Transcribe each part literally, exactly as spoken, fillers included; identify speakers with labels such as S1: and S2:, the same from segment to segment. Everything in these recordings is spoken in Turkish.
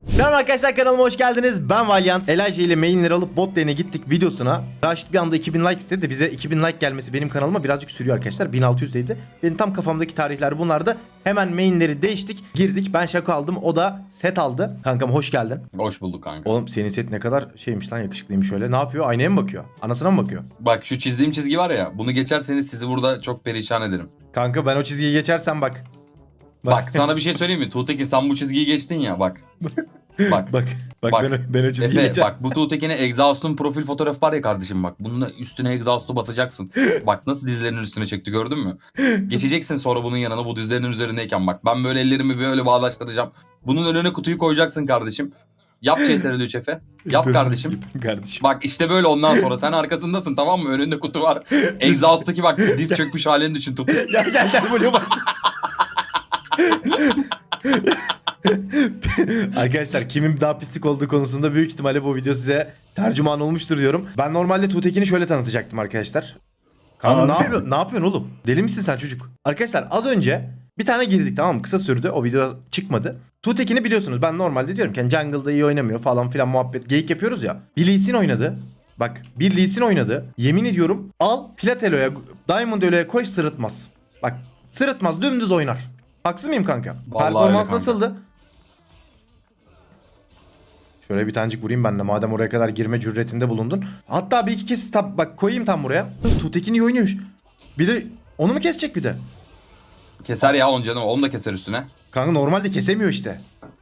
S1: Selam arkadaşlar, kanalıma hoş geldiniz. Ben Valiant. Elijah ile mainleri alıp bot lane'e gittik videosuna. Raşit bir anda iki bin like istedi de bize iki bin like gelmesi benim kanalıma birazcık sürüyor arkadaşlar. bin altı yüzdeydi. Benim tam kafamdaki tarihler bunlardı. Hemen mainleri değiştik. Girdik. Ben şako aldım. O da set aldı. Kankam hoş geldin.
S2: Hoş bulduk kanka.
S1: Oğlum senin set ne kadar şeymiş lan, yakışıklıymış öyle. Ne yapıyor? Aynaya mı bakıyor? Anasına mı bakıyor?
S2: Bak şu çizdiğim çizgi var ya, bunu geçerseniz sizi burada çok perişan ederim.
S1: Kanka ben o çizgiyi geçersem bak.
S2: Bak sana bir şey söyleyeyim mi? Tuğtekin sen bu çizgiyi geçtin ya bak. Bak.
S1: Bak. Bak,
S2: Bak.
S1: ben, o, ben o çizgiyi
S2: Efe
S1: geçerim.
S2: bak bu Tuğtekin'e Exhaust'un profil fotoğrafı var ya kardeşim bak. Bunun üstüne Exhaust'u basacaksın. Bak nasıl dizlerinin üstüne çekti gördün mü? Geçeceksin sonra bunun yanına bu dizlerinin üzerindeyken bak. Ben böyle ellerimi böyle bağdaştıracağım. Bunun önüne kutuyu koyacaksın kardeşim. Yap C T R L üç Efe. Yap kardeşim.
S1: Kardeşim.
S2: Bak işte böyle ondan sonra sen arkasındasın tamam mı? Önünde kutu var. Exhaust'taki bak diz çökmüş halini düşün Tuğ.
S1: Gel gel gel böyle başla. Arkadaşlar kimin daha pislik olduğu konusunda büyük ihtimalle bu video size tercüman olmuştur diyorum. Ben normalde Tuğtekin'i şöyle tanıtacaktım arkadaşlar. Kanka ne yapıyorsun? Ne yapıyorsun oğlum? Deli misin sen çocuk? Arkadaşlar az önce bir tane girdik, tamam mı? Kısa sürdü. O video çıkmadı. Tuğtekin'i biliyorsunuz. Ben normalde diyorum ki yani jungle'da iyi oynamıyor falan filan muhabbet. Geyik yapıyoruz ya. Bir Lee Sin oynadı. Bak bir Lee Sin oynadı. Yemin ediyorum al Platelo'ya, Diamond Elo'ya koy, sırıtmaz. Bak sırıtmaz, dümdüz oynar. Haksız mıyım kanka?
S2: Vallahi
S1: Performans
S2: öyle kanka.
S1: nasıldı? Şöyle bir tanecik vurayım ben de madem oraya kadar girme cüretinde bulundun. Hatta bir iki kez tab bak koyayım tam buraya. Tuğtekin iyi oynuyor. Bir de onu mu kesecek bir de?
S2: Keser ya onu canım. Onu da keser üstüne.
S1: Kanka normalde kesemiyor işte.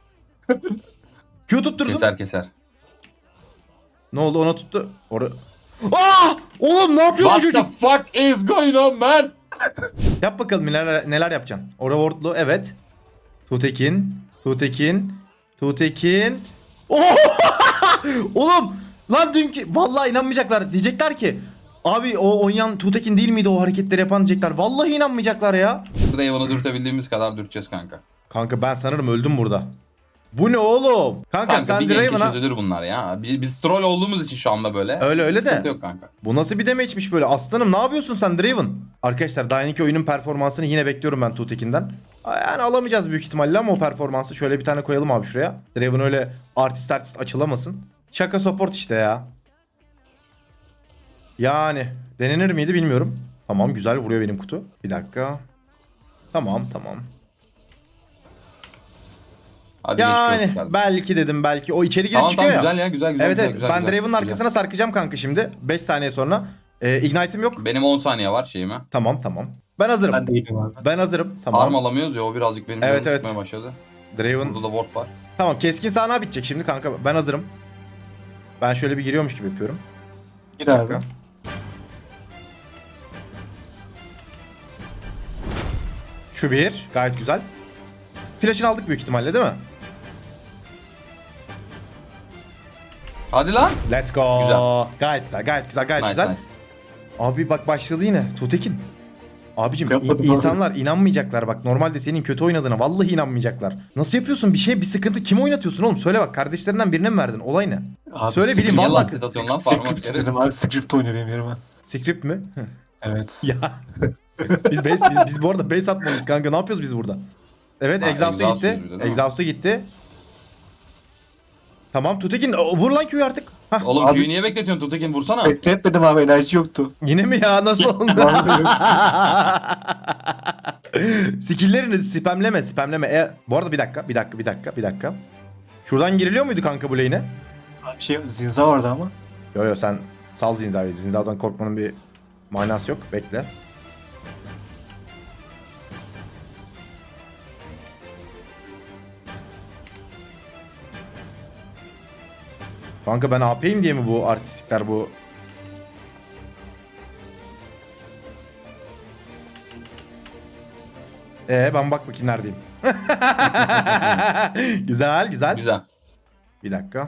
S1: Q tutturdum.
S2: Keser keser.
S1: Ne oldu, ona tuttu. Ora... Aa! Oğlum ne yapıyorsun
S2: What the
S1: çocuk?
S2: fuck is going on man?
S1: Yap bakalım neler neler yapacaksın. Ora wardlu evet. Tuğtekin, Tuğtekin, Tuğtekin. Oh! Oğlum lan dünkü vallahi inanmayacaklar. Diyecekler ki abi o oynayan Tuğtekin değil miydi o hareketleri yapan diyecekler. Vallahi inanmayacaklar ya.
S2: Draven'ı dürtebildiğimiz kadar dürteceğiz kanka.
S1: Kanka ben sanırım öldüm burada. Bu ne oğlum? Kanka,
S2: Kanka
S1: sen
S2: bir genki
S1: Draven'a...
S2: çözülür bunlar ya. Biz, biz troll olduğumuz için şu anda böyle.
S1: Öyle öyle de.
S2: Sıkıntı yok kanka.
S1: Bu nasıl bir damage'miş böyle? Aslanım ne yapıyorsun sen Draven? Arkadaşlar daha yeni oyunun performansını yine bekliyorum ben Tuğtekin'den. Yani alamayacağız büyük ihtimalle ama o performansı şöyle bir tane koyalım abi şuraya. Draven öyle artist artist açılamasın. Şaka support işte ya. Yani denenir miydi bilmiyorum. Tamam güzel vuruyor benim kutu. Bir dakika. Tamam tamam.
S2: Hadi
S1: Yani
S2: geçmiş olsun.
S1: belki dedim belki. O içeri girip
S2: Tamam
S1: çıkıyor
S2: tamam
S1: ya.
S2: güzel ya güzel güzel.
S1: Evet
S2: güzel,
S1: evet
S2: güzel,
S1: ben
S2: güzel,
S1: Draven'ın
S2: güzel.
S1: arkasına sarkacağım kanka şimdi. beş saniye sonra. Ee, Ignite'im yok.
S2: Benim on saniye var şeyime.
S1: Tamam tamam. Ben hazırım.
S3: Ben de iyiyim abi.
S1: Ben hazırım. Tamam.
S2: Arm alamıyoruz ya o birazcık benim
S1: Evet,
S2: canımı
S1: evet.
S2: sıkmaya başladı.
S1: Draven.
S2: Burada da ward var.
S1: Tamam keskin sahne bitecek şimdi kanka. Ben hazırım. Ben şöyle bir giriyormuş gibi yapıyorum.
S3: Gir
S1: Bir
S3: abi.
S1: dakika. Şu bir. Gayet güzel. Flash'ını aldık büyük ihtimalle değil mi?
S2: Hadi lan.
S1: Let's go.
S2: Güzel.
S1: Gayet güzel. Gayet güzel. Gayet
S2: Nice
S1: güzel.
S2: nice.
S1: Abi bak başladı yine. Tuğtekin. Abicim
S3: Yapmadım
S1: in-
S3: abi.
S1: insanlar inanmayacaklar bak. Normalde senin kötü oynadığına vallahi inanmayacaklar. Nasıl yapıyorsun bir şey, bir sıkıntı, kim oynatıyorsun oğlum? Söyle bak, kardeşlerinden birine mi verdin? Olay ne?
S3: Abi
S1: Söyle
S3: script-
S1: bileyim
S2: Niye
S1: vallahi.
S2: lastik atıyorsun lan parmak
S3: Script
S2: kere?
S3: dedim abi, script oynuyor benim yerime.
S1: Script mi?
S3: Evet.
S1: Ya. biz base biz, biz bu arada base atmalıyız kanka. Ne yapıyoruz biz burada? Evet,
S2: Ha,
S1: exhaust'a
S2: exhaust
S1: gitti.
S2: yürüdü, değil mi?
S1: Exhaust'a gitti. Tamam Tutekin o, vur lan Q'yu artık. Hah.
S2: Oğlum
S3: Abi-
S2: Q'yu niye bekletiyorsun Tutekin vursana.
S3: Bekletmedim abi, enerji yoktu.
S1: Yine mi ya, nasıl oldu? Skill'lerini spamleme spamleme. E, bu arada bir dakika bir dakika bir dakika bir dakika. Şuradan giriliyor muydu kanka bu lane'e?
S3: Abi şey, zinza vardı ama.
S1: Yo yo sen sal Zinza'yı. Zinza'dan korkmanın bir manası yok. Bekle. Kanka ben A P'yim diye mi bu artistikler bu? Ee ben bak bakayım neredeyim. Güzel güzel.
S2: Güzel.
S1: Bir dakika.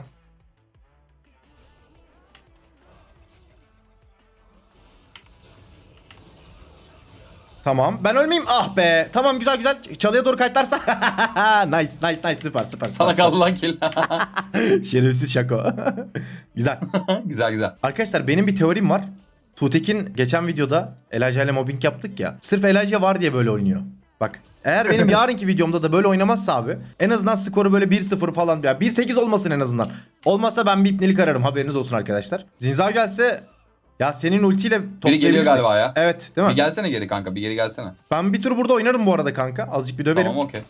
S1: Tamam. Ben ölmeyeyim. Ah be. Tamam güzel güzel. Çalıya doğru kayıtlarsa. Nice nice nice süper süper. süper,
S2: Sana
S1: süper.
S2: kaldı lan kill.
S1: Şerefsiz şako. Güzel.
S2: Güzel güzel.
S1: Arkadaşlar benim bir teorim var. Tuğtekin geçen videoda Elijah ile mobbing yaptık ya. Sırf Elijah var diye böyle oynuyor. Bak eğer benim yarınki videomda da böyle oynamazsa abi en azından skoru böyle bir sıfır falan ya bir sekiz olmasın en azından. Olmazsa ben bir ipnelik ararım, haberiniz olsun arkadaşlar. Zinza gelse ya senin ultiyle
S2: Biri geliyor
S1: toplayabilirsek.
S2: galiba ya.
S1: Evet değil mi?
S2: Bir gelsene geri kanka, bir geri gelsene.
S1: Ben bir tur burada oynarım bu arada kanka. Azıcık bir döverim.
S2: Tamam, okey.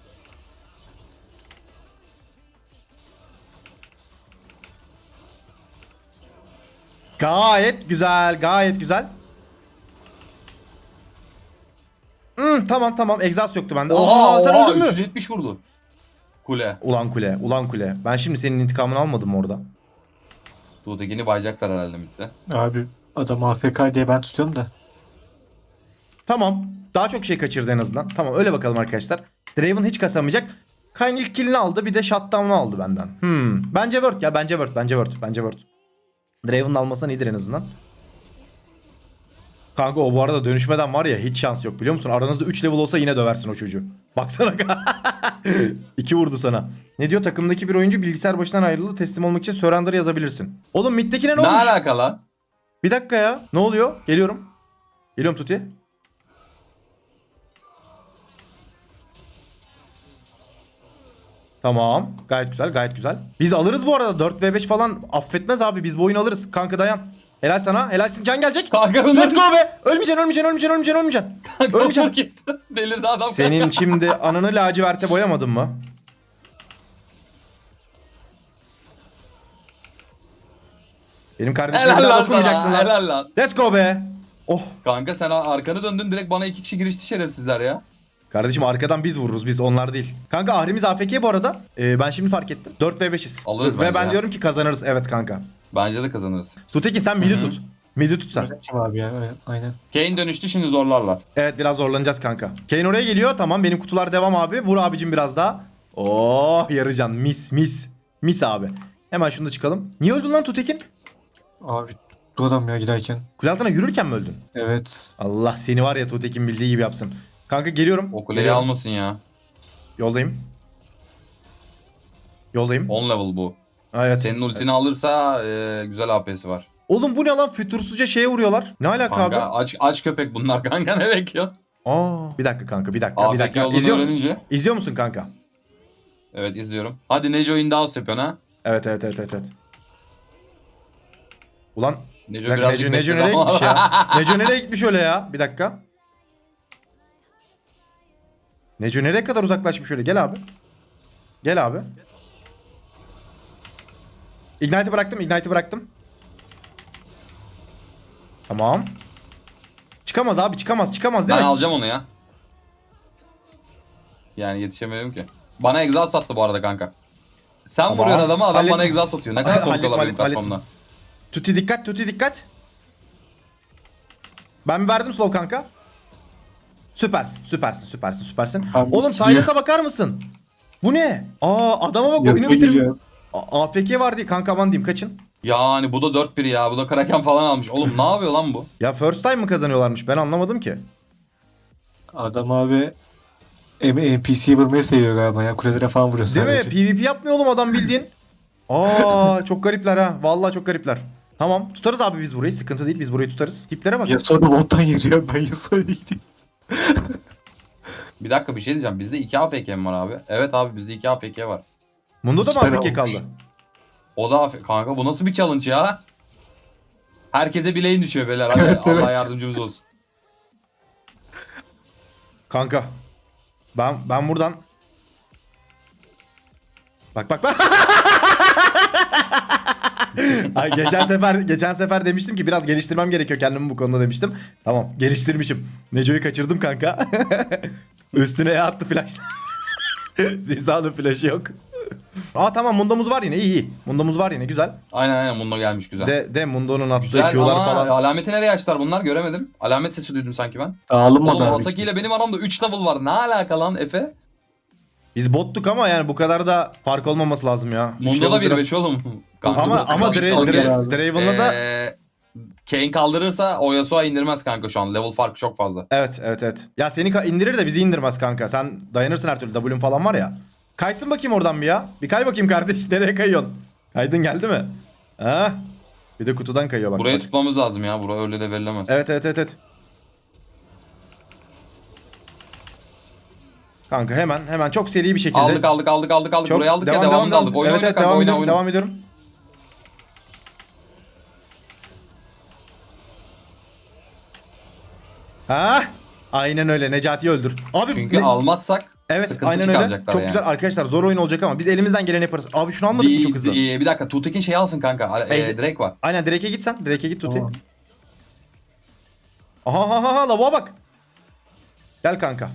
S1: Gayet güzel, gayet güzel. Hmm, tamam tamam, egzaz yoktu bende. Oha, sen öldün mü?
S2: üç yüz yetmiş vurdu. Kule.
S1: Ulan kule, ulan kule. Ben şimdi senin intikamını almadım mı orada?
S2: Tuğtekini bayacaklar herhalde midde.
S3: Abi adam A F K diye ben tutuyorum da.
S1: Tamam. Daha çok şey kaçırdı en azından. Tamam, öyle bakalım arkadaşlar. Draven hiç kasamayacak. Kayn ilk killini aldı, bir de shutdown'u aldı benden. Hmm. Bence word ya, bence word, bence word, bence word. Draven'ın almasan iyidir en azından. Kanka o bu arada dönüşmeden var ya hiç şans yok biliyor musun? Aranızda üç level olsa yine döversin o çocuğu. Baksana. iki vurdu sana. Ne diyor? Takımdaki bir oyuncu bilgisayar başından ayrıldı. Teslim olmak için surrender yazabilirsin. Oğlum middekine ne
S2: Ne
S1: olmuş?
S2: alaka lan?
S1: Bir dakika ya. Ne oluyor? Geliyorum. Geliyorum Tuti. Tamam. Gayet güzel, gayet güzel. Biz alırız bu arada. dört ve beş falan affetmez abi. Biz bu oyunu alırız. Kanka dayan. Helal sana. Helalsin. Can gelecek.
S2: Kanka
S1: Let's go be. Ölmeyeceksin, ölmeyeceksin, ölmeyeceksin, ölmeyeceksin, ölmeyeceksin. Ölmeyeceksin.
S2: kesti. Delirdi adam.
S1: Senin şimdi ananı laciverte boyamadın mı? Benim kardeşime bir
S2: Helal
S1: daha
S2: lan
S1: dokunmayacaksın
S2: sana.
S1: lan.
S2: Helal lan.
S1: Let's go be. Oh.
S2: Kanka sen arkanı döndün, direkt bana iki kişi girişti şerefsizler ya.
S1: Kardeşim arkadan biz vururuz, biz onlar değil. Kanka Ahrimiz A F K bu arada. Ee, ben şimdi fark ettim. dört ve beşiz.
S2: Alırız
S1: Ve
S2: bence
S1: ben
S2: ya.
S1: diyorum ki kazanırız. Evet kanka.
S2: Bence de kazanırız.
S1: Tutekin sen midi
S2: Hı hı.
S1: tut. Midi tut sen.
S3: Kim abi ya? Evet, aynen.
S2: Kane dönüştü, şimdi zorlarlar.
S1: Evet, biraz zorlanacağız kanka. Kane oraya geliyor. Tamam, benim kutular devam abi. Vur abicim biraz daha. Oh yarıcan, mis mis. Mis abi. Hemen şunu da çıkalım. Niye öldün lan Tutekin?
S3: Abi bu adam ya giderken.
S1: Kule altına yürürken mi öldün?
S3: Evet.
S1: Allah seni var ya Tutekin bildiği gibi yapsın. Kanka geliyorum.
S2: O kuleyi
S1: Geliyorum.
S2: almasın ya.
S1: Yoldayım. Yoldayım.
S2: on level bu.
S1: Ha, evet.
S2: Senin ultini alırsa e, güzel A P'si var.
S1: Oğlum bu ne lan? Fütursuzca şeye vuruyorlar. Ne alaka
S2: Kanka
S1: abi?
S2: aç aç köpek bunlar kanka, ne bekliyorsun?
S1: Aa, bir dakika kanka, bir dakika, bir
S2: A F K
S1: dakika.
S2: olduğunu
S1: İzliyor,
S2: öğrenince.
S1: izliyor musun kanka?
S2: Evet, izliyorum. Hadi Neco in the house yapıyorsun ha.
S1: Evet evet evet evet. evet. Ulan
S2: Neco
S1: bir dakika,
S2: birazcık
S1: Neco, Neco
S2: bekledi
S1: nereye
S2: ama-
S1: gitmiş ya? Neco nereye gitmiş öyle ya? Bir dakika. Neco nereye kadar uzaklaşmış öyle? Gel abi. Gel abi. Ignite'ı bıraktım, Ignite'ı bıraktım. Tamam. Çıkamaz abi, çıkamaz, çıkamaz değil
S2: Ben
S1: mi?
S2: alacağım onu ya. Yani yetişemiyorum ki. Bana exhaust attı bu arada kanka. Sen
S1: Tamam.
S2: vuruyorsun adamı, adam
S1: Hallettim.
S2: bana exhaust atıyor. Ne kadar
S1: Hallettim,
S2: korkuyorlar benim
S1: hallettim,
S2: kaçmamdan.
S1: Tuti dikkat, Tuti dikkat. Ben verdim slow kanka. Süpersin, süpersin, süpersin, süpersin.
S3: Abi,
S1: Oğlum
S3: gidiyor.
S1: Silas'a bakar mısın? Bu ne? Aa adama bak, oyunu
S3: Yapıyor
S1: bitirmiş.
S3: geliyor.
S1: A- AFK var diye kanka, aman diyeyim, kaçın.
S2: Yani bu da dört bir ya. Bu da Kraken falan almış. Oğlum ne yapıyor lan bu?
S1: Ya first time mı kazanıyorlarmış, ben anlamadım ki.
S3: Adam abi N P C'yi vurmayı seviyor galiba ya. Kulelere falan vuruyor
S1: Değil
S3: sadece.
S1: mi? PvP yapmıyor oğlum adam bildiğin. Aa çok garipler ha. Vallahi çok garipler. Tamam, tutarız abi biz burayı. Sıkıntı değil, biz burayı tutarız. Tiplere bak.
S3: Yasuo da bottan yürüyor. Ben Yasuo'ya gideyim.
S2: Bir dakika, bir şey diyeceğim. Bizde iki A F K mi var abi? Evet abi, bizde iki A F K var.
S1: Mundo da
S3: İki
S1: mı
S3: tane
S1: A F K
S3: olmuş.
S1: kaldı?
S2: O da A F K. Kanka bu nasıl bir challenge ya? Herkese bileğin düşüyor beyler. Hadi
S3: Evet,
S2: Allah
S3: evet.
S2: yardımcımız olsun.
S1: Kanka. Ben ben buradan Bak bak bak. Ay, geçen sefer geçen sefer demiştim ki biraz geliştirmem gerekiyor kendimi bu konuda demiştim. Tamam, geliştirmişim. Neco'yu kaçırdım kanka. Üstüne E attı flash. Ziza'nın flash'ı yok. Aa tamam, Mundo'muz var yine, iyi iyi. Mundo'muz var yine, güzel.
S2: Aynen aynen, Mundo gelmiş güzel.
S1: De de Mundo'nun attığı
S2: Güzel
S1: Q'lar
S2: ama
S1: falan.
S2: alameti nereye açtılar bunlar, göremedim. Alamet sesi duydum sanki ben.
S3: Dağılmadı
S2: Oğlum
S3: abi.
S2: Hasaki ile
S3: ikisi.
S2: benim aramda üç level var. Ne alaka lan Efe?
S1: Biz bottuk ama yani bu kadar da fark olmaması lazım ya. Üç
S2: Mundo da
S1: level
S2: bir
S1: biraz-
S2: beş oğlum. Kanka,
S1: Ama
S2: burası
S1: ama
S2: kaç
S1: Dra-
S2: level
S1: Dra-
S2: ya?
S3: abi.
S1: Draven'la da
S2: Ee, Kane kaldırırsa o Yasuo indirmez kanka şu an. Level farkı çok fazla.
S1: evet evet evet. Ya seni ka- indirir de bizi indirmez kanka. Sen dayanırsın her türlü. W'un falan var ya. Kaysın bakayım oradan bir ya. Bir kay bakayım kardeş. Nereye kayıyorsun? Kaydın geldi mi? Ha? Bir de kutudan kayıyor bak.
S2: Burayı
S1: bak.
S2: tutmamız lazım ya. Bura öyle de verilemez.
S1: Evet evet evet evet. Kanka hemen hemen çok seri bir şekilde.
S2: Aldık aldık aldık aldık aldık.
S1: Çok
S2: Burayı aldık
S1: devam,
S2: ya
S1: devam,
S2: devamını
S1: devam.
S2: aldık. Oyna
S1: Evet
S2: oyna
S1: evet
S2: kanka
S1: devam
S2: oyna
S1: ediyorum.
S2: oyna.
S1: Devam ediyorum. Ha? Aynen öyle. Necati'yi öldür. Abi
S2: Çünkü
S1: ne-
S2: almazsak
S1: Evet
S2: sıkıntı
S1: aynen öyle.
S2: çıkaracaklar
S1: Çok
S2: yani.
S1: güzel arkadaşlar, zor oyun olacak ama biz elimizden geleni yaparız. Abi şunu almadık mı
S2: Bir,
S1: çok hızlı?
S2: bir, bir dakika Tuğtekin şey alsın kanka. E,
S1: Ejder-
S2: Drake var.
S1: Aynen Drake'e git sen. Drake'e git Tuti.
S3: Tamam.
S1: Aha aha aha lavuğa bak. Gel kanka.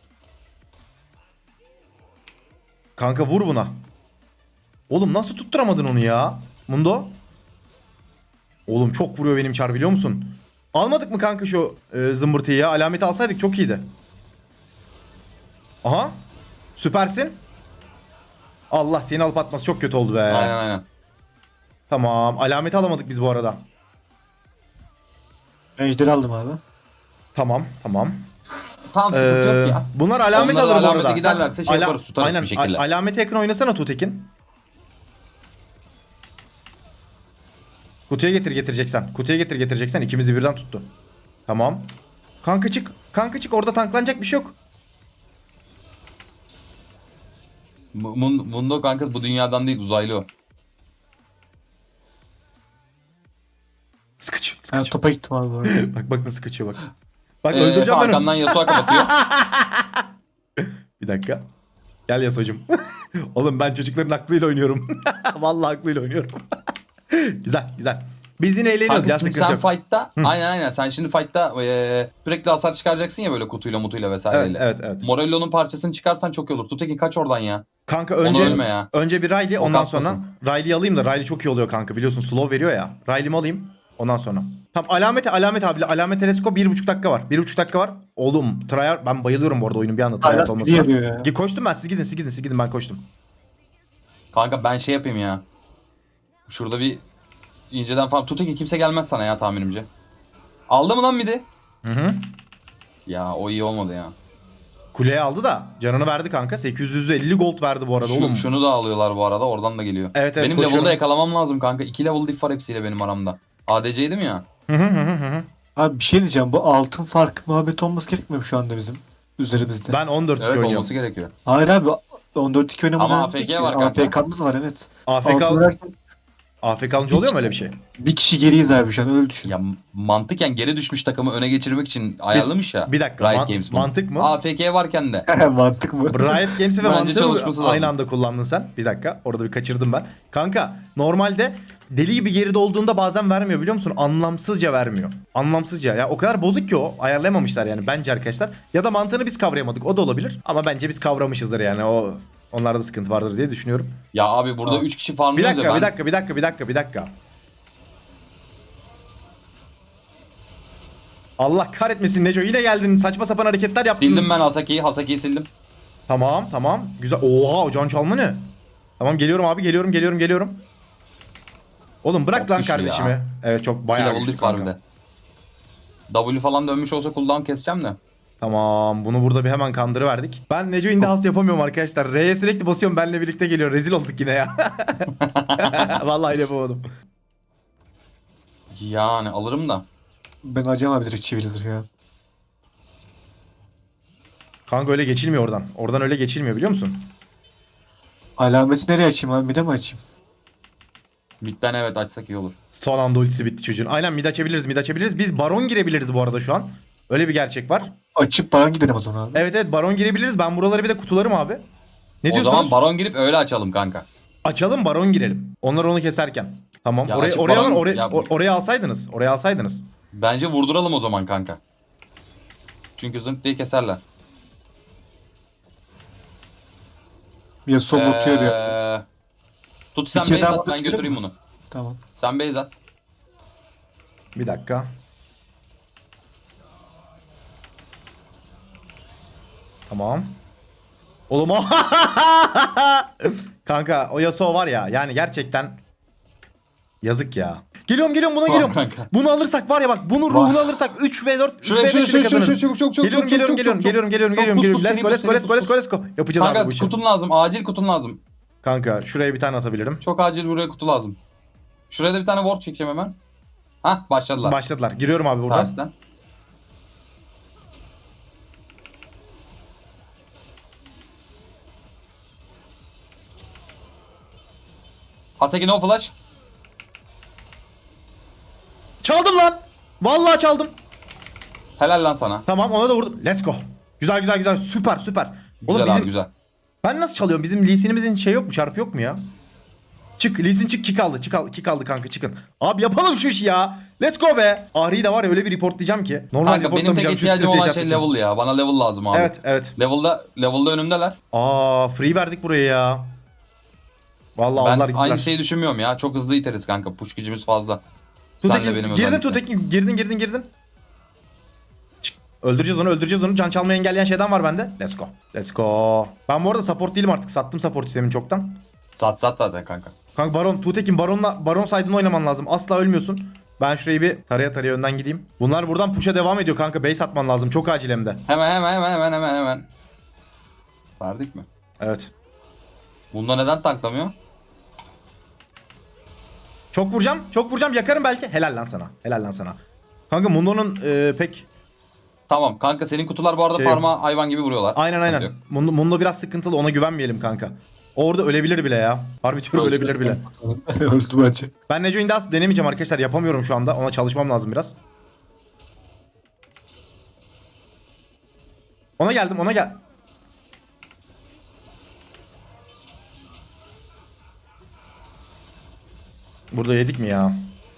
S1: Kanka vur buna. Oğlum nasıl tutturamadın onu ya? Mundo. Oğlum çok vuruyor benim çar biliyor musun? Almadık mı kanka şu e, zımbırtıyı ya? Alameti alsaydık çok iyiydi. Aha. Süpersin. Allah seni alıp atması çok kötü oldu be.
S2: Aynen aynen.
S1: Tamam. Alameti alamadık biz bu arada.
S3: Ben ejderi aldım abi.
S1: Tamam. Tamam.
S2: Tamam sıkıntı
S1: Ee,
S2: yok ya.
S1: bunlar alamet
S2: Onlar
S1: alır bu
S2: alamete
S1: arada.
S2: giderlerse
S1: Sen
S2: şey
S1: ala-
S2: yaparız, tutarız
S1: aynen,
S2: bir şekilde.
S1: a- alamete yakın oynasana Tutekin. Kutuya getir getireceksen. Kutuya getir getireceksen ikimizi birden tuttu. Tamam. Kanka çık. Kanka çık, orada tanklanacak bir şey yok.
S2: Mun- Mundo kanka bu dünyadan değil uzaylı o.
S1: Sıkıcı.
S3: Ben
S1: Sıkıcı.
S3: topa gittim abi bu arada.
S1: Bak bak nasıl kaçıyor bak. Bak
S2: Ee,
S1: öldüreceğim ben
S2: arkamdan
S1: onu.
S2: Yasuo kapatıyor.
S1: Bir dakika. Gel Yasuo'cum. Oğlum ben çocukların aklıyla oynuyorum. Vallahi aklıyla oynuyorum. güzel güzel. Biz yine eğleniyoruz
S2: Kanka
S1: ya,
S2: şimdi
S1: sıkıntı
S2: sen
S1: yok.
S2: fight'ta aynen aynen sen şimdi fight'ta e, sürekli hasar çıkaracaksın ya böyle kutuyla mutuyla vesaireyle.
S1: Evet evet evet.
S2: Morello'nun parçasını çıkarsan çok iyi olur. Tutekin kaç oradan ya.
S1: Kanka
S2: Ona
S1: önce
S2: ölme ya.
S1: önce bir Riley,
S2: O
S1: ondan
S2: kasmasın.
S1: sonra Riley'i alayım da Riley çok iyi oluyor kanka, biliyorsun slow veriyor ya. Riley'mi alayım ondan sonra. Tamam alamete alamet abi alamet telesko bir buçuk dakika var. Bir buçuk dakika var. Oğlum Trayar, ben bayılıyorum bu arada oyunun bir anda Trayar
S3: Hala
S1: olmasına.
S3: speedy yapıyor ya.
S1: Gi- Koştum ben, siz gidin siz gidin siz gidin ben koştum.
S2: Kanka ben şey yapayım ya. Şurada bir inceden falan. Tutekin kimse gelmez sana ya tahminimce. Aldı mı lan midi?
S1: Hı hı.
S2: Ya o iyi olmadı ya.
S1: Kuleye aldı da canını verdi kanka. sekiz yüz elli gold verdi bu arada
S2: Şu-
S1: oğlum.
S2: şunu da alıyorlar bu arada oradan da geliyor.
S1: Evet, evet,
S2: Benim
S1: koşuyorum.
S2: level'da yakalamam lazım kanka. iki level diff var hepsiyle benim aramda. A D C'ydim ya.
S1: Hı hı hı hı hı.
S3: Abi bir şey diyeceğim. Bu altın fark muhabbeti olması gerekmiyor mu şu anda bizim üzerimizde?
S1: Ben on dört iki
S2: Evet
S1: oynuyorum.
S2: olması gerekiyor.
S3: Hayır abi on dört iki oynamadan
S2: Ama A F K var kanka.
S3: A F K'mız var evet.
S1: A F K,
S3: Altın oynarken
S1: A F K alınca oluyor mu öyle bir şey?
S3: bir kişi geriyiz abi şu an öyle düşün.
S2: Ya mantıken geri düşmüş takımı öne geçirmek için ayarlamış ya.
S1: bir dakika,
S2: Riot
S1: mant-
S2: Games bunu.
S1: mantık mı?
S2: A F K varken de.
S3: Mantık mı?
S1: Riot Games'i ve
S2: Bence
S1: mantığı
S2: çalışması
S1: aynı
S2: lazım.
S1: anda kullandın sen. Bir dakika, orada bir kaçırdım ben. Kanka normalde deli gibi geride olduğunda bazen vermiyor biliyor musun? Anlamsızca vermiyor. Anlamsızca ya, o kadar bozuk ki o, ayarlayamamışlar yani bence arkadaşlar. Ya da mantığını biz kavrayamadık, o da olabilir. Ama bence biz kavramışızdır yani, o onlarda sıkıntı vardır diye düşünüyorum.
S2: Ya abi burada
S3: Aa.
S2: üç kişi
S1: Bir
S2: farmlıyoruz
S1: dakika,
S2: ya ben.
S1: bir dakika, bir dakika, bir dakika, bir dakika. Allah kahretmesin Neco, yine geldin, saçma sapan hareketler yaptın.
S2: Sildim ben Hasaki'yi. Hasaki'yi sildim.
S1: Tamam tamam güzel. Oha, can çalma ne? Tamam geliyorum abi, geliyorum geliyorum geliyorum. Oğlum bırak
S2: Çok
S1: lan
S2: güçlü
S1: kardeşimi.
S2: ya.
S1: Evet çok
S2: iki
S1: bayağı
S2: level
S1: güçlü
S2: diff var bir
S1: kanka.
S2: de. W falan dönmüş olsa cooldown keseceğim de.
S1: Tamam, bunu burada bir hemen kandırıverdik. Ben Neco in the house yapamıyorum arkadaşlar. R'ye sürekli basıyorum, benle birlikte geliyor. Rezil olduk yine ya. Vallahi yapamadım.
S2: Yani alırım da.
S3: Ben acaba abi direkt çeviririz ya.
S1: Kanka öyle geçilmiyor oradan. Oradan öyle geçilmiyor biliyor musun?
S3: Alameti nereye açayım abi? Mide mi açayım?
S2: Midden evet açsak iyi olur.
S1: Son anda ultisi bitti çocuğun. Aynen mid açabiliriz mid açabiliriz. Biz baron girebiliriz bu arada şu an. Öyle bir gerçek var.
S3: Açıp baran gidelim o zaman abi.
S1: Evet evet baron girebiliriz. Ben buraları bir de kutularım abi. Ne
S2: O
S1: diyorsunuz?
S2: zaman baron girip öyle açalım kanka.
S1: Açalım, baron girelim. Onlar onu keserken. Tamam.
S2: Ya
S1: oraya
S2: açık
S1: oraya
S2: baron-
S1: alın, oraya
S2: ya-
S1: or- oraya alsaydınız. Oraya alsaydınız.
S2: Bence vurduralım o zaman kanka. Çünkü zınk diye keserler.
S3: Yasuo botuyor ya.
S2: Ee, Tut sen
S3: Bir kere
S2: base
S3: daha
S2: at ben
S3: bakabilir
S2: götüreyim
S3: miyim?
S2: bunu.
S3: Tamam.
S2: Sen base at.
S1: Bir dakika. Tamam. Oğlum o kanka o Yasuo var ya, yani gerçekten yazık ya. Geliyorum geliyorum buna
S2: Tamam
S1: geliyorum.
S2: kanka.
S1: Bunu alırsak var ya bak, bunun ruhunu alırsak üç ve dört üç
S2: Şuraya
S1: ve
S2: şuraya
S1: beş
S2: şuraya
S1: kazanırız.
S2: şuraya çabuk çabuk çabuk.
S1: Geliyorum
S2: çabuk,
S1: geliyorum
S2: çabuk,
S1: geliyorum
S2: çabuk,
S1: geliyorum geliyorum
S2: Çok
S1: geliyorum
S2: buz,
S1: geliyorum.
S2: buz,
S1: Let's
S2: seri
S1: go
S2: buz,
S1: let's go
S2: seri
S1: let's go
S2: buz,
S1: let's go let's go. Yapacağız abi bu
S2: Kanka
S1: işi.
S2: kutum lazım. Acil kutum lazım.
S1: Kanka şuraya bir tane atabilirim.
S2: Çok acil buraya kutu lazım. Şuraya da bir tane ward çekeceğim hemen. Hah başladılar.
S1: Başladılar. Giriyorum abi buradan.
S2: Tersten. Haseki no flash.
S1: Çaldım lan. Vallahi çaldım.
S2: Helal lan sana.
S1: Tamam ona da vurdum. Let's go. Güzel güzel güzel. Süper süper.
S2: Güzel
S1: Oğlum
S2: abi
S1: bizim...
S2: güzel.
S1: Ben nasıl çalıyorum? Bizim Lee Sin'imizin şey yok mu? Çarpı yok mu ya? Çık. Lee Sin çık. Kick aldı. Çık aldı. Kick aldı kanka çıkın. Abi yapalım şu işi ya. Let's go be. Ahri'yi de var ya öyle bir reportlayacağım ki. Normal
S2: Kanka benim tek
S1: reportlamayacağım. Şu
S2: ihtiyacım
S1: stresi
S2: olan şey
S1: yaşatmayacağım.
S2: level ya. Bana level lazım abi.
S1: Evet evet.
S2: Level'da level'da önümdeler.
S1: Aa free verdik buraya ya. Vallahi
S2: Ben
S1: aldılar gittiler.
S2: aynı şeyi düşünmüyorum ya. Çok hızlı iteriz kanka. Push gücümüz fazla. Senle
S1: Tutekin,
S2: benim
S1: girdin
S2: özellikle.
S1: Tutekin. Girdin girdin girdin. Çık. Öldüreceğiz onu öldüreceğiz onu. Can çalmayı engelleyen şeyden var bende. Let's go. Let's go. Ben bu arada support değilim artık. Sattım support sistemini çoktan.
S2: Sat sat zaten kanka.
S1: Kanka Baron, Tuğtekin Baron'la Baron side'ını oynaman lazım. Asla ölmüyorsun. Ben şurayı bir taraya taraya önden gideyim. Bunlar buradan push'a devam ediyor kanka. Base atman lazım. Çok acil hem de.
S2: Hemen hemen hemen hemen hemen hemen. Verdik mi?
S1: Evet.
S2: Bunda neden tanklamıyor?
S1: Çok vuracağım. Çok vuracağım. Yakarım belki. Helal lan sana. Helal lan sana. Kanka Mundo'nun e, pek...
S2: Tamam kanka senin kutular bu arada
S1: Şey-
S2: parmağı hayvan gibi vuruyorlar.
S1: Aynen aynen.
S2: Yok.
S1: Mundo, Mundo biraz sıkıntılı. Ona güvenmeyelim kanka. Orada ölebilir bile ya. Harbi diyorum ölebilir bile.
S3: Öldü bence.
S1: Ben Neco Indas denemeyeceğim arkadaşlar. Yapamıyorum şu anda. Ona çalışmam lazım biraz. Ona geldim. Ona gel. Burada yedik mi ya?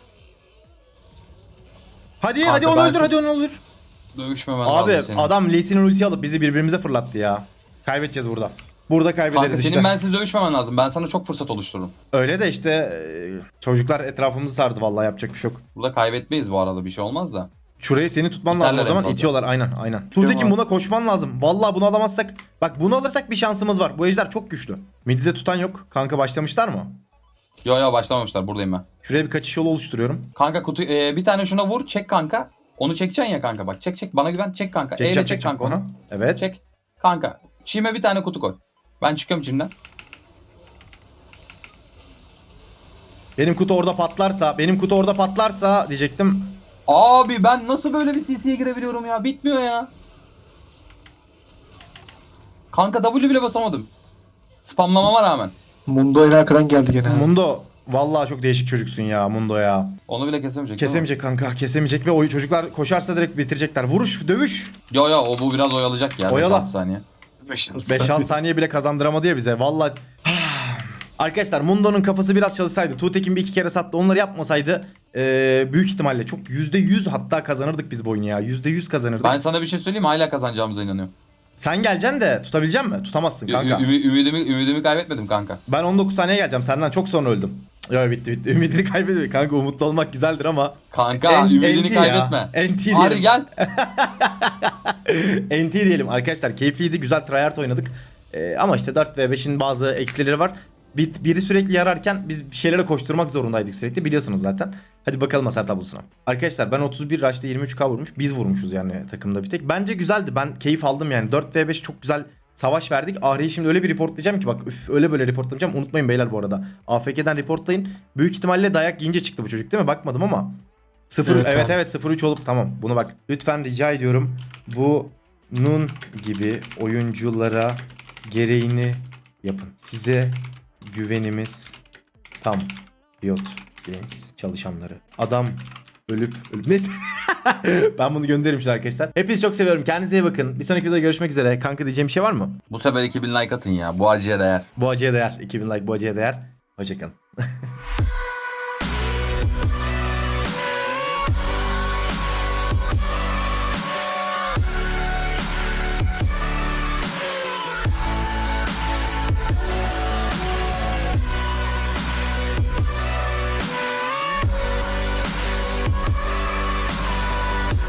S1: Hadi
S2: Kanka
S1: hadi onu
S2: ben
S1: öldür
S2: siz-
S1: hadi onu öldür.
S2: Dövüşmemen
S1: Abi
S2: lazım senin.
S1: adam Lee Sin'in ulti alıp bizi birbirimize fırlattı ya. Kaybedeceğiz burada. Burada kaybederiz
S2: Kanka
S1: işte.
S2: senin bensiz dövüşmemen lazım. Ben sana çok fırsat oluştururum.
S1: Öyle de işte e, çocuklar etrafımızı sardı vallahi yapacak bir şey yok.
S2: Burada kaybetmeyiz bu arada bir şey olmaz da.
S1: Şurayı seni tutman lazım o
S2: İterler en
S1: zaman
S2: fazla.
S1: itiyorlar aynen aynen. Tuğtekin
S3: abi.
S1: buna koşman lazım. Vallahi bunu alamazsak bak bunu alırsak bir şansımız var. Bu ejder çok güçlü. Mid'de tutan yok. Kanka başlamışlar mı?
S2: Yo yo başlamamışlar buradayım ben.
S1: Şuraya bir kaçış yolu oluşturuyorum.
S2: Kanka kutu e, bir tane şuna vur çek kanka. Onu çekeceksin ya kanka bak çek çek bana güven çek kanka.
S1: Çekeceğim,
S2: Eyle çek
S1: çekeceğim.
S2: kanka onu.
S1: Aha, evet.
S2: Çek. Kanka çiğme bir tane kutu koy. Ben çıkıyorum çimden.
S1: Benim kutu orada patlarsa, benim kutu orada patlarsa diyecektim.
S2: Abi ben nasıl böyle bir C C'ye girebiliyorum ya? Bitmiyor ya. Kanka W bile basamadım. Spamlamama rağmen.
S3: Mundo en arkadan geldi gene abi.
S1: Mundo vallahi çok değişik çocuksun ya Mundo ya.
S2: Onu bile kesemeyecek. değil mi?
S1: Kesemeyecek kanka kesemeyecek ve o çocuklar koşarsa direkt bitirecekler. Vuruş, dövüş.
S2: Yo yo o bu biraz oyalayacak ya.
S1: Oyala.
S2: beş altı saniye.
S1: beş altı saniye bile kazandıramadı ya bize. Vallahi arkadaşlar Mundo'nun kafası biraz çalışsaydı, Tuğtekin bir iki kere sattı, onları yapmasaydı eee, büyük ihtimalle çok yüzde yüz hatta kazanırdık biz bu oyunu ya. yüzde yüz kazanırdık.
S2: Ben sana bir şey söyleyeyim mi? Hala kazanacağımıza inanıyorum.
S1: Sen geleceksin de tutabilecek misin? Tutamazsın kanka.
S2: Ü- ümü- ümidimi, ümidimi kaybetmedim kanka.
S1: Ben on dokuz saniye geleceğim. Senden çok sonra öldüm. Yo bitti bitti. Ümidini kaybediyor. Kanka umutlu olmak güzeldir ama.
S2: Kanka
S1: En-
S2: ümidini
S1: enti
S2: kaybetme.
S1: ya. Enti
S2: Ari
S1: diyelim.
S2: gel.
S1: N T diyelim arkadaşlar. Keyifliydi. Güzel tryhard oynadık. Ee, ama işte dört ve beşin bazı eksileri var. Bir, biri sürekli yararken biz bir şeylere koşturmak zorundaydık sürekli. Biliyorsunuz zaten. Hadi bakalım hasar tablosuna. Arkadaşlar ben otuz bir rush'ta yirmi üç K vurmuş. Biz vurmuşuz yani takımda bir tek. Bence güzeldi. Ben keyif aldım yani. dört ve beş çok güzel savaş verdik. Ahri'yi şimdi öyle bir reportlayacağım ki bak üf, öyle böyle reportlayacağım. Unutmayın beyler bu arada. A F K'den reportlayın. Büyük ihtimalle dayak yiyince çıktı bu çocuk değil mi? Bakmadım ama. sıfır
S3: Evet
S1: evet
S3: abi.
S1: evet sıfır üç olup tamam. Bunu bak. Lütfen rica ediyorum. Bu Nun gibi oyunculara gereğini yapın. Size güvenimiz tam. Riot Games çalışanları. Adam ölüp ölüp neyse. Ben bunu gönderirim şimdi arkadaşlar. Hepinizi çok seviyorum. Kendinize iyi bakın. Bir sonraki videoda görüşmek üzere. Kanka diyeceğim bir şey var mı?
S2: Bu sefer iki bin like atın ya. Bu acıya değer.
S1: Bu acıya değer. iki bin like bu acıya değer. Hoşçakalın.